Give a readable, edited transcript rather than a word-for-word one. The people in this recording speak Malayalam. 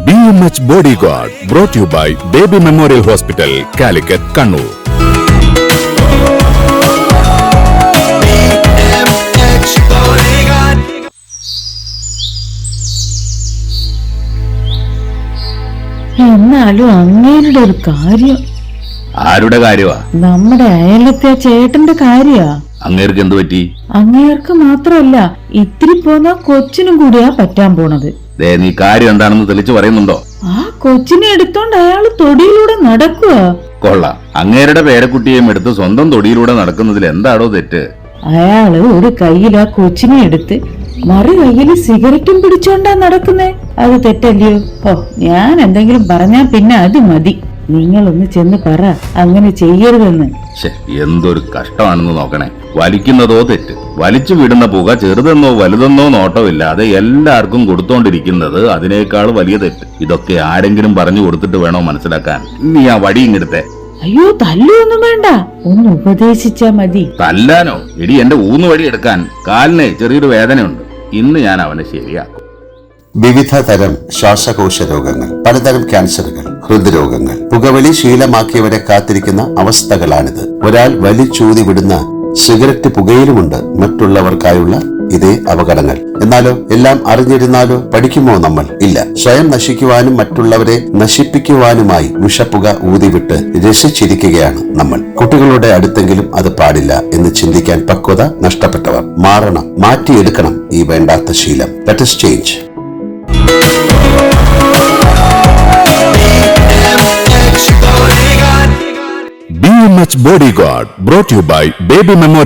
BMH Bodyguard, brought to you by Baby Memorial Hospital, Calicut, Kannur. എന്നാലും അങ്ങേരുടെ ഒരു കാര്യം. ആരുടെ കാര്യമാ? നമ്മുടെ അയലത്തെ ചേട്ടന്റെ കാര്യാ. അങ്ങേർക്ക് എന്ത് പറ്റി? അങ്ങേർക്ക് മാത്രമല്ല, ഇത്തിരി പോന്ന കൊച്ചിനും കൂടിയാ പറ്റാൻ പോണത്. നീ കാര്യം എന്താണെന്ന് തെളിച്ചു പറയുന്നുണ്ടോ? ആ കൊച്ചിനെ എടുത്തോണ്ട് അയാള് തൊടിയിലൂടെ നടക്കുക. കൊള്ളാം. അങ്ങേരുടെ പേരക്കുട്ടിയെയും എടുത്ത് സ്വന്തം തൊടിയിലൂടെ നടക്കുന്നതിൽ എന്താണോ തെറ്റ്? അയാള് ഒരു കയ്യിൽ ആ കൊച്ചിനെ എടുത്ത് മറു കയ്യില് സിഗരറ്റും പിടിച്ചോണ്ടാ നടക്കുന്നേ. അത് തെറ്റല്ലയോ? ഓ, ഞാൻ എന്തെങ്കിലും പറഞ്ഞാ പിന്നെ അത് മതി. നിങ്ങളൊന്ന് ചെന്ന് പറ അങ്ങനെ ചെയ്യരുതെന്ന്. എന്തൊരു കഷ്ടമാണെന്ന് നോക്കണേ. വലിക്കുന്നതോ തെറ്റ്, വലിച്ചു വിടുന്ന പുക ചെറുതെന്നോ വലുതെന്നോ നോട്ടമില്ലാതെ എല്ലാവർക്കും കൊടുത്തോണ്ടിരിക്കുന്നത് അതിനേക്കാൾ വലിയ തെറ്റ്. ഇതൊക്കെ ആരെങ്കിലും പറഞ്ഞു കൊടുത്തിട്ട് വേണോ മനസ്സിലാക്കാൻ? നീ ആ വടി ഇങ്ങെടുത്തേ. അയ്യോ, തല്ലൊന്നും വേണ്ട, ഒന്ന് ഉപദേശിച്ചാ മതി. തല്ലാനോ? എടി, എന്റെ ഊന്നുവടി എടുക്കാൻ കാലിന് ചെറിയൊരു വേദനയുണ്ട്. ഇന്ന് ഞാൻ അവനെ ശരിയാക്കും. വിവിധ തരം ശ്വാസകോശ രോഗങ്ങൾ, പലതരം ക്യാൻസറുകൾ, ഹൃദ്രോഗങ്ങൾ, പുകവലി ശീലമാക്കിയവരെ കാത്തിരിക്കുന്ന അവസ്ഥകളാണിത്. ഒരാൾ വലിച്ചൂതി വിടുന്ന സിഗരറ്റ് പുകയിലുമുണ്ട് മറ്റുള്ളവർക്കായുള്ള ഇതേ അപകടങ്ങൾ. എന്നാലോ എല്ലാം അറിഞ്ഞിരുന്നാലോ പഠിക്കുമോ നമ്മൾ? ഇല്ല. സ്വയം നശിക്കുവാനും മറ്റുള്ളവരെ നശിപ്പിക്കുവാനുമായി വിഷപ്പുക ഊതിവിട്ട് രസിച്ചിരിക്കുകയാണ് നമ്മൾ. കുട്ടികളുടെ അടുത്തെങ്കിലും അത് പാടില്ല എന്ന് ചിന്തിക്കാൻ പക്വത നഷ്ടപ്പെട്ടവർ മാറണം, മാറ്റിയെടുക്കണം ഈ വേണ്ടാത്ത ശീലം. Let us change. BMH Bodyguard, brought to you by Baby Memorial